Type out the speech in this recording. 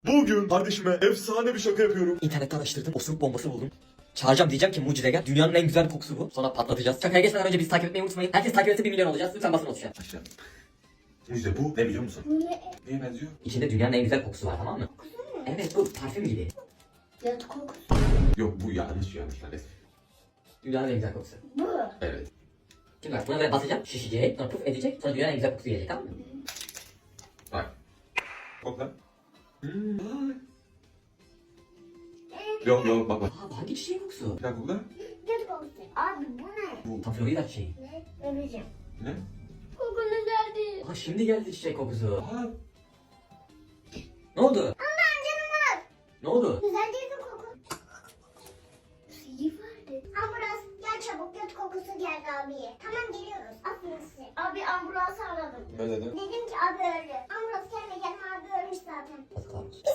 Bugün kardeşime efsane bir şaka yapıyorum. İnternette araştırdım, osuruk bombası buldum. Çağıracağım, diyeceğim ki mucize gel. Dünyanın en güzel kokusu bu. Sonra patlatacağız. Şakaya geçmeden önce bizi takip etmeyi unutmayın. Herkes takip etse 1 milyon olacağız. Lütfen basın o tuşa. Aşağı. Mucize bu ne biliyor musun? Neye benziyor? İçinde dünyanın en güzel kokusu var, tamam mı? Evet, bu parfüm gibi. Yat kokusu. Yok bu yanlış kardeş. Dünyanın en güzel kokusu. Bu. Evet. Şimdi bak, buna böyle basacağım, şişecek, sonra puf edecek, sonra dünyanın en güzel kokusu gelecek, tamam mı? Bak. Kokla. Yok bak. Aa, bu hangi çiçeğin kokusu? Bir daha kokla. Yat kokusu. Abi bu ne? Tam Florida çiçeği. Ne? Öleceğim. Ne? Kokunu geldi. Aa, şimdi geldi çiçek kokusu. Aa. Ne oldu? Allah'ım canım var. Ne oldu? Güzel değil mi koku? İyi vardı. Ambulans gel çabuk, göt kokusu geldi abiye. Tamam geliyoruz. Aferin size. Abi ambulansı aradım. Ne dedin? Dedim ki abi öldü. Ambulans gelme gelme abi ölmüş zaten. Yazıklar olsun.